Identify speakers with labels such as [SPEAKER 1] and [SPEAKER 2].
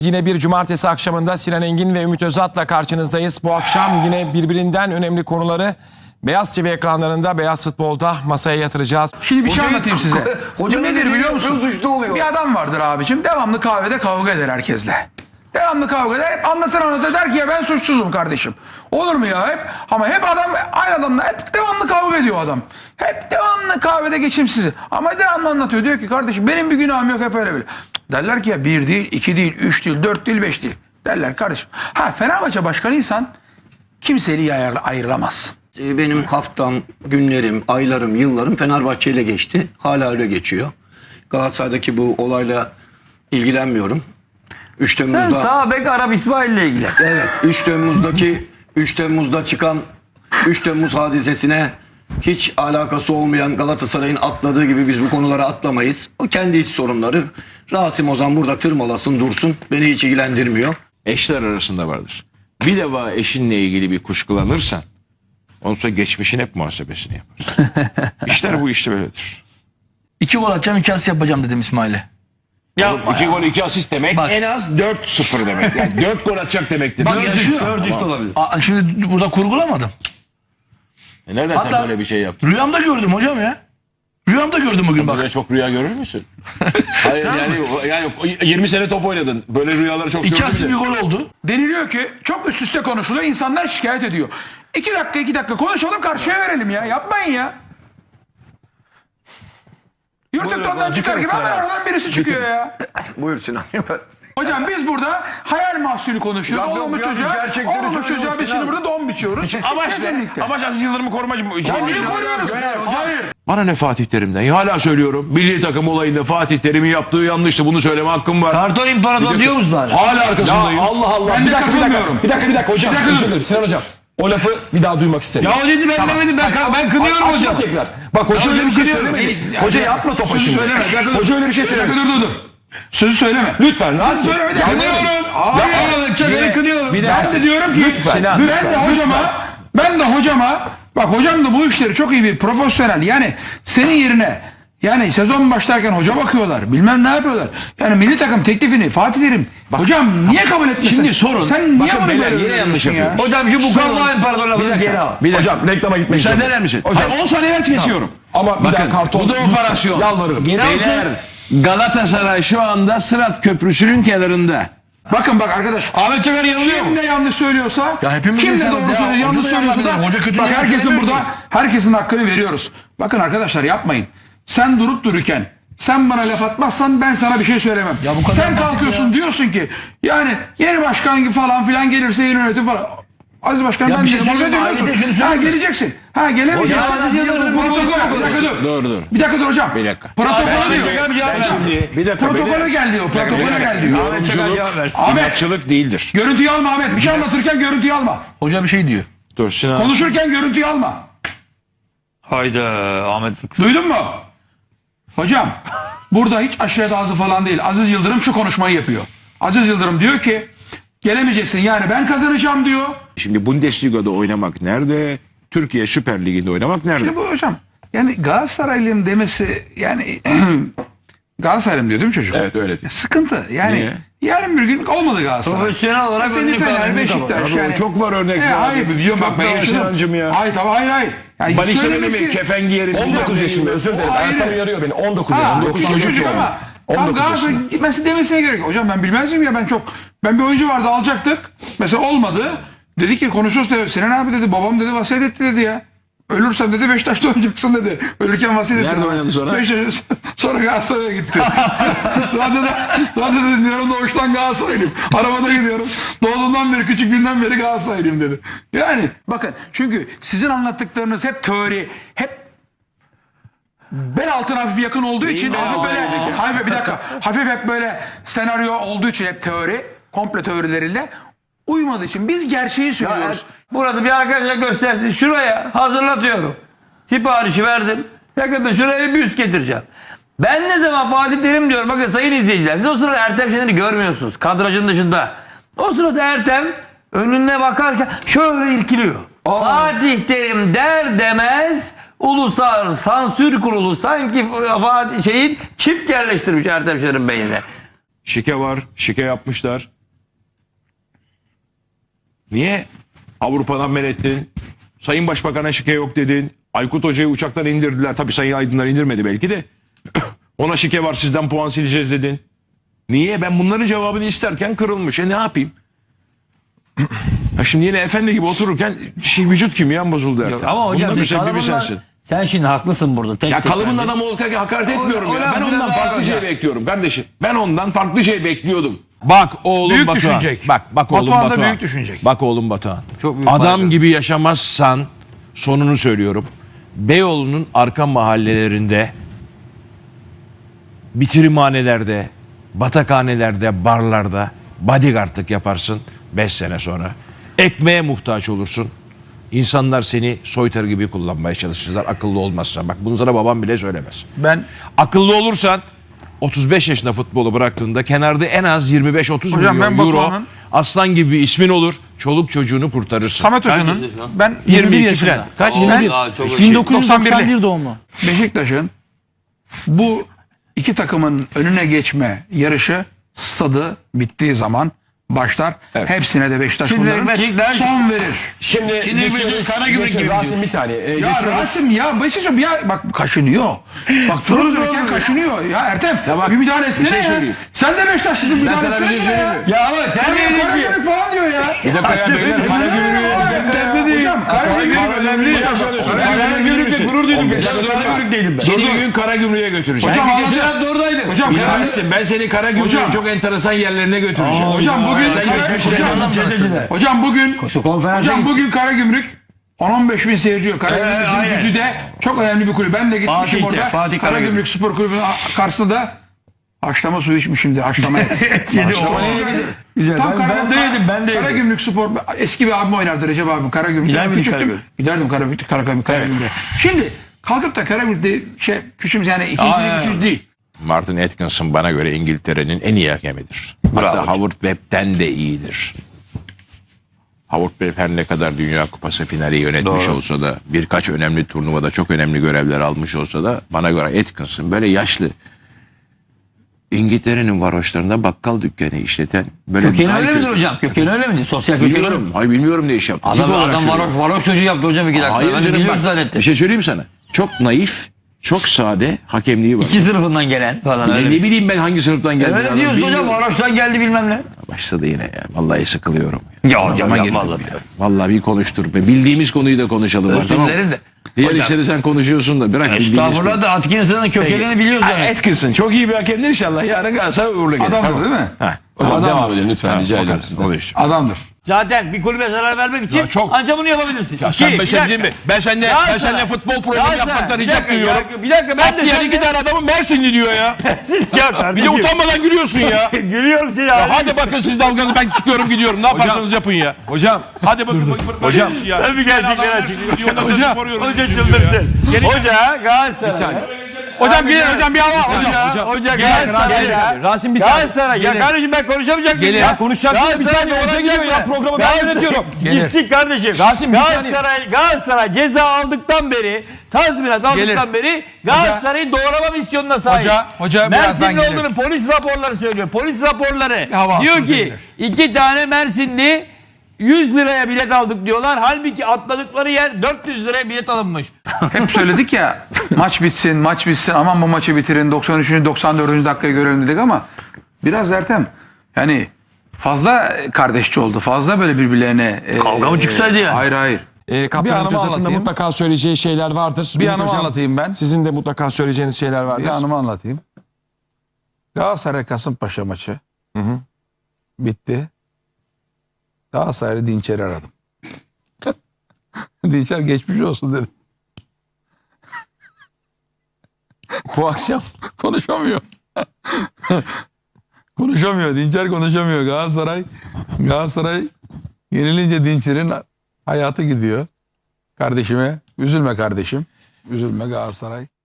[SPEAKER 1] Yine bir cumartesi akşamında Sinan Engin ve Ümit Özat'la karşınızdayız. Bu akşam yine birbirinden önemli konuları Beyaz TV ekranlarında, Beyaz Futbol'da masaya yatıracağız.
[SPEAKER 2] Şimdi bir şey anlatayım size.
[SPEAKER 3] Hoca
[SPEAKER 2] nedir biliyor musun?
[SPEAKER 3] Suçlu oluyor.
[SPEAKER 2] Bir adam vardır abicim, devamlı kahvede kavga eder herkesle. Devamlı kavga eder, hep anlatır der ki ya ben suçsuzum kardeşim. Olur mu ya hep? Ama hep adam, aynı adamla hep devamlı kavga ediyor adam. Hep devamlı kahvede geçimsiz. Ama devamlı anlatıyor. Diyor ki kardeşim benim bir günahım yok, hep öyle böyle. Derler ki ya 1 değil, 2 değil, 3 değil, 4 değil, 5 değil. Derler kardeşim. Ha, Fenerbahçe başkanıysan kimseyi ayrılamazsın.
[SPEAKER 3] Benim haftam, günlerim, aylarım, yıllarım Fenerbahçe ile geçti. Hala öyle geçiyor. Galatasaray'daki bu olayla ilgilenmiyorum. 3
[SPEAKER 4] Sen
[SPEAKER 3] Temmuz'da
[SPEAKER 4] sağ bek Arap İsmail ile ilgili.
[SPEAKER 3] evet 3 Temmuz'da çıkan 3 Temmuz hadisesine hiç alakası olmayan Galatasaray'ın atladığı gibi biz bu konulara atlamayız. O kendi iç sorunları. Rasim Ozan burada tırmalasın dursun. Beni hiç ilgilendirmiyor.
[SPEAKER 5] Eşler arasında vardır. Bir defa eşinle ilgili bir kuşkulanırsan ondan sonra geçmişin hep muhasebesini yaparsın. İşler bu işte böyledir.
[SPEAKER 6] 2 gol atacağım 2 asist yapacağım dedim İsmail'e.
[SPEAKER 5] Yapma 2 gol 2 asist demek
[SPEAKER 6] Bak.
[SPEAKER 5] en az 4-0 demek. Yani 4 gol atacak demektir.
[SPEAKER 6] Bak yaşıyor.
[SPEAKER 4] 4-3 de olabilir.
[SPEAKER 6] Şimdi burada kurgulamadım.
[SPEAKER 5] Nereden
[SPEAKER 6] Hatta-
[SPEAKER 5] sen böyle bir şey yaptın?
[SPEAKER 6] Rüyamda gördüm hocam ya. Rüyamda gördüm bugün bak.
[SPEAKER 5] Böyle çok rüya görür müsün? Hayır yani 20 sene top oynadın. Böyle rüyaları çok
[SPEAKER 6] 2
[SPEAKER 5] gördün
[SPEAKER 6] asist
[SPEAKER 5] mü?
[SPEAKER 6] bir gol oldu.
[SPEAKER 2] Deniliyor ki çok üst üste konuşuluyor. İnsanlar şikayet ediyor. 2 dakika konuşalım, karşıya verelim ya. Yapmayın ya. Yurtuktan'dan çıkar gibi hemen oradan birisi çıkıyor ya.
[SPEAKER 3] Buyur Sinan.
[SPEAKER 2] Hocam biz burada hayal mahsulü konuşuyoruz.
[SPEAKER 3] Yok, yok,
[SPEAKER 2] Olmuş
[SPEAKER 3] yok, biz
[SPEAKER 2] çocuğa,
[SPEAKER 3] gerçekleri
[SPEAKER 2] olmuş çocuğa
[SPEAKER 3] söylüyoruz
[SPEAKER 2] biz şimdi
[SPEAKER 3] Sinan.
[SPEAKER 2] burada don biçiyoruz.
[SPEAKER 5] Amaç ne?
[SPEAKER 2] Kesinlikle.
[SPEAKER 5] Amaç Aziz Yıldırım'ı korumak mı?
[SPEAKER 2] Niye koruyoruz? Hayır.
[SPEAKER 5] Bana ne Fatih Terim'den? Ya hala söylüyorum. Milli takım olayında Fatih Terim'in yaptığı yanlıştı. Bunu söyleme hakkım var.
[SPEAKER 4] Karton İmparator diyor musun hala?
[SPEAKER 5] Hala arkasındayım.
[SPEAKER 1] Allah Allah.
[SPEAKER 2] Ben de katılmıyorum.
[SPEAKER 1] Bir dakika hocam. Özür dilerim Sinan hocam. O lafı bir daha duymak istemiyorum.
[SPEAKER 4] Ya o dedi ben demedim, ben kınıyorum
[SPEAKER 1] Açma
[SPEAKER 4] hocam.
[SPEAKER 1] tekrar. Bak hoca öyle bir şey
[SPEAKER 2] kınıyorum.
[SPEAKER 1] söylemedi. Hoca yapma topa
[SPEAKER 2] Sözü
[SPEAKER 1] şimdi.
[SPEAKER 2] söyleme.
[SPEAKER 1] Hoca öyle bir şey söylemedi.
[SPEAKER 2] Dur. Sözü söyleme.
[SPEAKER 1] Lütfen Rasim.
[SPEAKER 2] Kınıyorum. Hayır.
[SPEAKER 4] Çakır'ı kınıyorum.
[SPEAKER 2] Ben de diyorum ki ben de hocama bak hocam da bu işleri çok iyi bir profesyonel, yani senin yerine yani sezon başlarken hoca bakıyorlar, bilmem ne yapıyorlar. Yani milli takım teklifini Fatih Terim hocam niye kabul etmesin?
[SPEAKER 5] Şimdi sorun.
[SPEAKER 2] Sen niye
[SPEAKER 5] Bakın
[SPEAKER 2] bunu
[SPEAKER 5] beyler,
[SPEAKER 2] böyle
[SPEAKER 5] yine yanlış
[SPEAKER 2] yapıyorsun ya?
[SPEAKER 4] Hocam şu bu Karton İmparator lafını geri al.
[SPEAKER 1] Hocam reklama gitmek
[SPEAKER 5] Müsaade
[SPEAKER 1] zorunda.
[SPEAKER 5] eder misin?
[SPEAKER 1] Hocam.
[SPEAKER 5] Hayır, 10 saniye ver kesiyorum.
[SPEAKER 1] Ama bir daha karton.
[SPEAKER 5] Bu da operasyon.
[SPEAKER 1] Yalvarırım.
[SPEAKER 5] Beyler Galatasaray şu anda Sırat Köprüsü'nün kenarında.
[SPEAKER 2] Bakın bak arkadaş.
[SPEAKER 6] Ahmet Çakar yanılıyor mu?
[SPEAKER 2] Kim ne yanlış söylüyorsa,
[SPEAKER 6] Ya hepimiz
[SPEAKER 2] kim ne
[SPEAKER 6] insanız
[SPEAKER 2] doğru
[SPEAKER 6] ya.
[SPEAKER 2] söylüyor,
[SPEAKER 6] Hoca
[SPEAKER 2] yanlış
[SPEAKER 6] da
[SPEAKER 2] söylüyorsa
[SPEAKER 6] yanlış
[SPEAKER 2] da
[SPEAKER 6] söylüyor. Hoca kötü
[SPEAKER 2] bak
[SPEAKER 6] niye
[SPEAKER 2] herkesin
[SPEAKER 6] söylemiyor
[SPEAKER 2] burada
[SPEAKER 6] ki?
[SPEAKER 2] herkesin hakkını veriyoruz. Bakın arkadaşlar yapmayın. Sen durup dururken sen bana laf atmazsan ben sana bir şey söylemem.
[SPEAKER 6] Ya bu kadar
[SPEAKER 2] Sen
[SPEAKER 6] basit
[SPEAKER 2] kalkıyorsun
[SPEAKER 6] ya.
[SPEAKER 2] diyorsun ki yani yeni başkan gibi falan filan gelirse yeni yönetim falan. Aziz Başkan
[SPEAKER 6] Ya
[SPEAKER 2] ben
[SPEAKER 6] bir şey
[SPEAKER 2] diyeceğim,
[SPEAKER 6] söyleyeyim mi?
[SPEAKER 2] diyorsun.
[SPEAKER 6] Ahmet'e şunu
[SPEAKER 2] Ha
[SPEAKER 6] söyleyeyim mi?
[SPEAKER 2] geleceksin. Ha gelemeyeceksin.
[SPEAKER 4] Hocam, Aziz Yıldırım
[SPEAKER 2] Protokol. Bir dakika dur.
[SPEAKER 5] Dur.
[SPEAKER 2] Bir dakika dur hocam.
[SPEAKER 5] Bir dakika.
[SPEAKER 2] Protokole diyor.
[SPEAKER 4] Çakar bir cevap versin.
[SPEAKER 5] Bir dakika.
[SPEAKER 2] Protokole gel diyor. Protokole gel diyor.
[SPEAKER 4] Ahmet Çakar cevap versin.
[SPEAKER 2] Ahmet
[SPEAKER 5] İnatçılık değildir.
[SPEAKER 2] görüntüyü alma Ahmet. Bir şey anlatırken görüntüyü alma.
[SPEAKER 6] Hoca bir şey diyor.
[SPEAKER 5] Dur Sinan.
[SPEAKER 2] Konuşurken görüntüyü alma.
[SPEAKER 4] Hayda Ahmet.
[SPEAKER 2] Duydun mu? Hocam burada hiç aşiret ağzı falan değil. Aziz Yıldırım şu konuşmayı yapıyor. Aziz Yıldırım diyor ki gelemeyeceksin, yani ben kazanacağım diyor.
[SPEAKER 5] Şimdi Bundesliga'da oynamak nerede? Türkiye Süper Ligi'nde oynamak nerede?
[SPEAKER 2] Şimdi bu hocam yani Galatasaraylıyım demesi yani Galatasaraylıyım diyor değil mi çocuk?
[SPEAKER 1] Evet, öyle diyor.
[SPEAKER 2] Ya sıkıntı yani.
[SPEAKER 5] Niye?
[SPEAKER 2] Yarın bir gün olmadı Galatasaray.
[SPEAKER 4] Profesyonel olarak
[SPEAKER 2] Senin
[SPEAKER 4] önlük
[SPEAKER 2] Fener,
[SPEAKER 4] alın,
[SPEAKER 2] Beşiktaş
[SPEAKER 5] Abi
[SPEAKER 2] yani.
[SPEAKER 5] çok var örnekler.
[SPEAKER 2] Hayır biliyorum bak
[SPEAKER 5] Çok
[SPEAKER 2] ben
[SPEAKER 5] var
[SPEAKER 2] yaşadım.
[SPEAKER 5] Sinancım ya.
[SPEAKER 2] Hayır tabii hayır. Yani
[SPEAKER 5] Ben işte
[SPEAKER 2] söylemesi-
[SPEAKER 5] mi kefen giyerim.
[SPEAKER 1] 19 yaşında özür dilerim.
[SPEAKER 2] O ayrı.
[SPEAKER 1] Ertan uyarıyor beni. 19
[SPEAKER 2] Ha,
[SPEAKER 1] yaşında.
[SPEAKER 2] 9
[SPEAKER 1] 9
[SPEAKER 2] çocuk ama. Tam
[SPEAKER 1] 19
[SPEAKER 2] Galatasaray
[SPEAKER 1] yaşında.
[SPEAKER 2] gitmesi demesine gerek yok. Hocam ben bilmez miyim ya, ben bir oyuncu vardı alacaktık. Mesela olmadı. Dedi ki konuşuyoruz dedi. Sinan abi dedi babam dedi vasiyet etti dedi ya. Ölürsem dedi Beşiktaş'ta oynayacaksın dedi. Ölürken vasiyet etti.
[SPEAKER 5] Nerede oynadı sonra?
[SPEAKER 2] Beşiktaş, sonra Galatasaray'a gitti. Radyoda diyorum doğuştan Galatasaraylıyım. Arabada gidiyorum. Doğduğundan beri, küçüklüğünden beri Galatasaraylıyım dedi. Yani bakın çünkü sizin anlattıklarınız hep teori, hep bel altına hafif yakın olduğu için hafif böyle hafif bir dakika hafif hep böyle senaryo olduğu için hep teori, komplo teorileriyle uymadığı için biz gerçeği söylüyoruz.
[SPEAKER 4] Burada bir arkadaşa göstersin. Şuraya hazırlatıyorum. Siparişi verdim. Yakında şuraya bir üst getireceğim. Ben ne zaman Fatih Terim diyorum. Bakın sayın izleyiciler. Siz o sırada Ertem Şener'i görmüyorsunuz. Kadrajın dışında. O sırada Ertem önüne bakarken şöyle irkiliyor. Fatih Terim der demez Ulusal Sansür Kurulu sanki Fatih çip yerleştirmiş Ertem Şener'in beynine.
[SPEAKER 5] Şike var. Şike yapmışlar. Niye Avrupa'dan men ettin? Sayın Başbakan'a şike yok dedin. Aykut Hoca'yı uçaktan indirdiler. Tabii Sayın Aydınlar indirmedi belki de. Ona şike var, sizden puan sileceğiz dedin. Niye? Ben bunların cevabını isterken kırılmış. Ne yapayım? Ya şimdi yine efendi gibi otururken vücut kimyam bozuldu Ertem.
[SPEAKER 4] Ama hocam
[SPEAKER 5] Bunun
[SPEAKER 4] sen
[SPEAKER 5] müsebbibi
[SPEAKER 4] kalıbından-
[SPEAKER 5] sensin.
[SPEAKER 4] sen şimdi haklısın burada. Tek
[SPEAKER 5] Ya
[SPEAKER 4] tek
[SPEAKER 5] kalıbın
[SPEAKER 4] bence.
[SPEAKER 5] adamı olarak hakaret etmiyorum
[SPEAKER 4] O
[SPEAKER 5] ya.
[SPEAKER 4] laf
[SPEAKER 5] Ben
[SPEAKER 4] biraz
[SPEAKER 5] ondan
[SPEAKER 4] daha
[SPEAKER 5] farklı
[SPEAKER 4] hocam.
[SPEAKER 5] şey bekliyordum kardeşim. Ben ondan farklı şey bekliyordum. Bak oğlum
[SPEAKER 2] Büyük
[SPEAKER 5] Batuhan.
[SPEAKER 2] düşünecek.
[SPEAKER 5] Bak oğlum
[SPEAKER 2] Batuhan da
[SPEAKER 5] Batuhan.
[SPEAKER 2] büyük düşünecek.
[SPEAKER 5] Bak oğlum Batuhan.
[SPEAKER 4] Çok büyük
[SPEAKER 5] Adam
[SPEAKER 4] farkı.
[SPEAKER 5] gibi yaşamazsan sonunu söylüyorum. Beyoğlu'nun arka mahallelerinde, bitirimhanelerde, batakhanelerde, barlarda bodyguardlık yaparsın 5 sene sonra. Ekmeğe muhtaç olursun. İnsanlar seni soytarı gibi kullanmaya çalışırlar akıllı olmazsan. Bak bunu sana babam bile söylemez.
[SPEAKER 2] Ben
[SPEAKER 5] Akıllı olursan 35 yaşında futbolu bıraktığında kenarda en az 25-30
[SPEAKER 2] Hocam
[SPEAKER 5] milyon
[SPEAKER 2] ben
[SPEAKER 5] euro
[SPEAKER 2] Batuhan'ın-
[SPEAKER 5] aslan gibi bir ismin olur. Çoluk çocuğunu kurtarırsın.
[SPEAKER 2] Samet
[SPEAKER 4] Kaç
[SPEAKER 2] Hoca'nın
[SPEAKER 4] yaşında şu an?
[SPEAKER 2] ben
[SPEAKER 5] 22 falan. Kaç? 21.
[SPEAKER 4] Daha çok
[SPEAKER 2] 1991
[SPEAKER 7] doğumlu.
[SPEAKER 2] Beşiktaş'ın bu iki takımın önüne geçme yarışı stadı bittiği zaman başlar. Hepsine de Beşiktaş
[SPEAKER 4] Şimdi
[SPEAKER 2] bunların
[SPEAKER 4] Beşiktaş-
[SPEAKER 2] son verir.
[SPEAKER 1] Şimdi
[SPEAKER 4] bir Karagümrük gibi
[SPEAKER 1] Rasim bir saniye.
[SPEAKER 2] Ya
[SPEAKER 1] Geçiyoruz.
[SPEAKER 2] Rasim ya Beşiktaş ya bak kaşınıyor. Bak durup dururken kaşınıyor. Ya Ertem bir müdahale etsene
[SPEAKER 5] şey
[SPEAKER 2] ya.
[SPEAKER 5] söyleyeyim.
[SPEAKER 2] Sen de Beşiktaşlısın müdahale
[SPEAKER 5] sana bir
[SPEAKER 2] etsene
[SPEAKER 5] şey
[SPEAKER 2] ya.
[SPEAKER 5] söyleyeyim mi?
[SPEAKER 4] Ya ama sen
[SPEAKER 2] Ya
[SPEAKER 4] dedin ki.
[SPEAKER 2] Karagümrük falan diyor ya.
[SPEAKER 5] Bir dakika ya beyler.
[SPEAKER 2] Hocam Karagümrük
[SPEAKER 5] önemli.
[SPEAKER 4] Karagümrük'te gurur duydum. Karagümrük'teydim ben.
[SPEAKER 5] Seni gün Karagümrük'e götüreceğim.
[SPEAKER 2] Hocam
[SPEAKER 4] Geçen
[SPEAKER 2] anlatın.
[SPEAKER 4] hafta oradaydım.
[SPEAKER 2] Hocam
[SPEAKER 5] Bilemezsin. Ben seni Karagümrük'ün
[SPEAKER 2] Hocam.
[SPEAKER 5] çok enteresan yerlerine götüreceğim.
[SPEAKER 2] Hocam bugün Hocam bugün Karagümrük 10-15 bin seyirci yok. Karagümrük
[SPEAKER 4] aynen.
[SPEAKER 2] bizim Güzide çok önemli bir kulüp. Ben de gitmişim
[SPEAKER 4] Fatih'te,
[SPEAKER 2] orada.
[SPEAKER 4] Fatih
[SPEAKER 2] Karagümrük Spor Kulübü'nün karşısında da haşlama suyu içmişimdir. Haşlama et.
[SPEAKER 4] Yedi
[SPEAKER 2] Haşlama
[SPEAKER 4] o.
[SPEAKER 2] et.
[SPEAKER 4] Güzel.
[SPEAKER 2] Tam
[SPEAKER 4] Ben de yedim. Ben de yedim.
[SPEAKER 2] Karagümrük Spor eski bir abim oynardı Recep abim Karagümrük'te.
[SPEAKER 4] Gider
[SPEAKER 2] Ben
[SPEAKER 4] miydin
[SPEAKER 2] küçüktüm.
[SPEAKER 4] Karagümrük?
[SPEAKER 2] Giderdim Karagümrük'e. Şimdi kalkıp da Karagümrük'te küçümse yani ikinci değil.
[SPEAKER 5] Martin Atkinson bana göre İngiltere'nin en iyi hakemidir. Hatta Howard Webb'den de iyidir. Howard Webb her ne kadar Dünya Kupası finali yönetmiş olsa da birkaç önemli turnuvada çok önemli görevler almış olsa da bana göre Atkinson böyle yaşlı İngiltere'nin varoşlarında bakkal dükkanı işleten böyle
[SPEAKER 4] Kökeni
[SPEAKER 5] daha
[SPEAKER 4] öyle midir
[SPEAKER 5] kötü.
[SPEAKER 4] hocam? Kökeni öyle midir? Sosyal kökeni öyle mi?
[SPEAKER 5] Bilmiyorum. Hayır bilmiyorum ne iş yaptı. Tip
[SPEAKER 4] Adam
[SPEAKER 5] olarak söylüyorum.
[SPEAKER 4] varoş çocuğu yaptı hocam 2 dakika.
[SPEAKER 5] Hayır
[SPEAKER 4] Ben
[SPEAKER 5] canım
[SPEAKER 4] biliyorum
[SPEAKER 5] bak.
[SPEAKER 4] zannettim.
[SPEAKER 5] Bir şey söyleyeyim sana. Çok naif, çok sade hakemliği var.
[SPEAKER 4] 2 sınıfından gelen falan
[SPEAKER 5] Ne,
[SPEAKER 4] öyle.
[SPEAKER 5] ne bileyim ben hangi sınıftan geldi.
[SPEAKER 4] Öyle diyorsun hocam varoştan geldi bilmem ne.
[SPEAKER 5] Başladı yine ya. Vallahi sıkılıyorum.
[SPEAKER 4] Ya hocam
[SPEAKER 5] Zaman
[SPEAKER 4] yapma
[SPEAKER 5] girdim
[SPEAKER 4] Allah
[SPEAKER 5] ya. Vallahi bir konuştur be. Bildiğimiz konuyu da konuşalım.
[SPEAKER 4] Özür
[SPEAKER 5] tamam mı?
[SPEAKER 4] dilerim de.
[SPEAKER 5] Diğer
[SPEAKER 4] Hocam-
[SPEAKER 5] işleri sen konuşuyorsun da bırak bildiğimiz
[SPEAKER 4] Estağfurullah
[SPEAKER 5] konu.
[SPEAKER 4] da Atkinson'ın kökenini biliyoruz yani.
[SPEAKER 5] Atkinson çok iyi bir hakemdir inşallah. Yarın Galatasaray uğurlu gelir.
[SPEAKER 2] Adamdır
[SPEAKER 5] Tamam.
[SPEAKER 2] değil mi?
[SPEAKER 5] Ha.
[SPEAKER 1] Hocam devam edin lütfen
[SPEAKER 5] Tamam,
[SPEAKER 1] rica
[SPEAKER 5] o
[SPEAKER 1] ediyorum
[SPEAKER 5] kadar.
[SPEAKER 1] sizden.
[SPEAKER 5] Oluyor.
[SPEAKER 2] Adamdır.
[SPEAKER 4] Zaten bir kulübe zarar vermek için
[SPEAKER 6] Ya çok-
[SPEAKER 4] ancak bunu yapabilirsin.
[SPEAKER 6] Ya sen
[SPEAKER 4] İki,
[SPEAKER 6] ben
[SPEAKER 4] bir
[SPEAKER 6] şey
[SPEAKER 4] dakika.
[SPEAKER 6] diyeyim mi? Ben seninle
[SPEAKER 4] Galatasaray-
[SPEAKER 6] futbol programı
[SPEAKER 4] Galatasaray,
[SPEAKER 6] yapmaktan
[SPEAKER 4] bir
[SPEAKER 6] rica
[SPEAKER 4] dakika,
[SPEAKER 6] duyuyorum.
[SPEAKER 4] Bir dakika ben de
[SPEAKER 6] Diğer iki tane adamın Mersinli diyor ya.
[SPEAKER 4] Ya
[SPEAKER 6] Bir
[SPEAKER 4] kardeşim.
[SPEAKER 6] de utanmadan gülüyorsun ya.
[SPEAKER 4] Gülüyorum seni
[SPEAKER 6] Ya
[SPEAKER 4] abi.
[SPEAKER 6] hadi bakın siz dalganız ben çıkıyorum gidiyorum. Ne yaparsanız yapın ya.
[SPEAKER 1] Hocam
[SPEAKER 6] Hadi bakın. Hocam. Ya.
[SPEAKER 4] Tabii gerçekler
[SPEAKER 6] Hocam.
[SPEAKER 4] Hoca çıldırsın. Hoca Galatasaray.
[SPEAKER 2] Hocam bir hava.
[SPEAKER 4] Hoca
[SPEAKER 1] Galatasaray.
[SPEAKER 4] Galatasaray.
[SPEAKER 1] Rasim bir saniye.
[SPEAKER 4] Galatasaray. Ya kardeşim ben konuşamayacak mıyım
[SPEAKER 1] Ya konuşacaksın bir saniye. Hoca geliyor ya programı ben yönetiyorum.
[SPEAKER 4] Gitsin kardeşim.
[SPEAKER 1] Rasim, bir saniye.
[SPEAKER 4] Galatasaray ceza aldıktan beri, tazminat aldıktan beri Galatasaray'ın doğrama misyonuna sahip.
[SPEAKER 2] Hoca birazdan
[SPEAKER 4] Mersinli
[SPEAKER 2] gelir.
[SPEAKER 4] olduğunu polis raporları söylüyor. Polis raporları
[SPEAKER 2] hava
[SPEAKER 4] diyor
[SPEAKER 2] aslında
[SPEAKER 4] ki
[SPEAKER 2] gelir.
[SPEAKER 4] 2 tane Mersinli 100 liraya bilet aldık diyorlar. Halbuki atladıkları yer 400 liraya bilet alınmış.
[SPEAKER 2] Hep söyledik ya maç bitsin aman bu maçı bitirin 93. 94. dakikaya görelim dedik ama biraz Ertem yani fazla kardeşçi oldu fazla böyle birbirlerine
[SPEAKER 4] Kavga mı çıksaydı ya?
[SPEAKER 2] Hayır.
[SPEAKER 1] Kaptan
[SPEAKER 2] Bir anımı
[SPEAKER 1] Ümit Özat'ın da
[SPEAKER 2] anlatayım.
[SPEAKER 1] mutlaka söyleyeceği şeyler vardır.
[SPEAKER 2] Bir
[SPEAKER 1] Ümit
[SPEAKER 2] anımı
[SPEAKER 1] Hocam,
[SPEAKER 2] anlatayım ben.
[SPEAKER 1] Sizin de mutlaka söyleyeceğiniz şeyler vardır.
[SPEAKER 2] Bir anımı anlatayım. Galatasaray Kasımpaşa maçı bitti. Galatasaray'ı Dinçer'i aradım. Dinçer geçmiş olsun dedi.
[SPEAKER 1] Bu akşam
[SPEAKER 2] Konuşamıyor. Konuşamıyor. Dinçer konuşamıyor. Galatasaray yenilince Dinçer'in hayatı gidiyor. Kardeşime üzülme kardeşim. Üzülme Galatasaray.